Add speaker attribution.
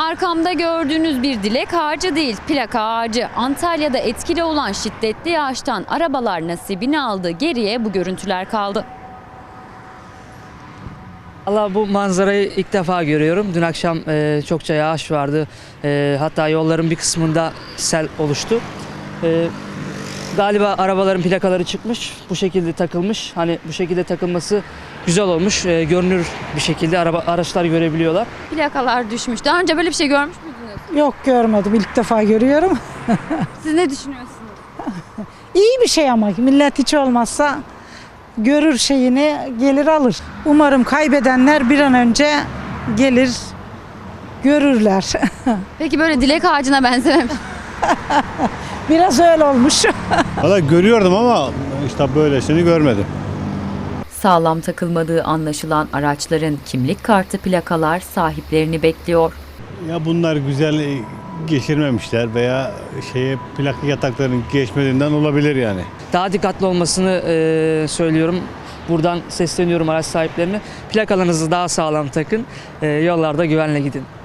Speaker 1: Arkamda gördüğünüz bir dilek ağacı değil, plaka ağacı. Antalya'da etkili olan şiddetli yağıştan arabalar nasibini aldı, geriye bu görüntüler kaldı.
Speaker 2: Allah, bu manzarayı ilk defa görüyorum. Dün akşam çokça yağış vardı. Hatta yolların bir kısmında sel oluştu. Galiba arabaların plakaları çıkmış. Bu şekilde takılmış. Hani bu şekilde takılması güzel olmuş. Görünür bir şekilde araçlar görebiliyorlar.
Speaker 1: Plakalar düşmüş. Daha önce böyle bir şey görmüş müydünüz?
Speaker 3: Yok, görmedim. İlk defa görüyorum.
Speaker 1: Siz ne düşünüyorsunuz?
Speaker 3: İyi bir şey ama millet hiç olmazsa görür şeyini, gelir alır. Umarım kaybedenler bir an önce gelir görürler.
Speaker 1: Peki böyle dilek ağacına benzememiş.
Speaker 3: Biraz öyle olmuş.
Speaker 4: Valla görüyordum ama işte böylesini görmedim.
Speaker 5: Sağlam takılmadığı anlaşılan araçların kimlik kartı plakalar sahiplerini bekliyor.
Speaker 4: Ya bunlar güzel geçirmemişler veya plaka yataklarının geçmediğinden olabilir yani.
Speaker 2: Daha dikkatli olmasını söylüyorum. Buradan sesleniyorum araç sahiplerine. Plakalarınızı daha sağlam takın. Yollarda güvenle gidin.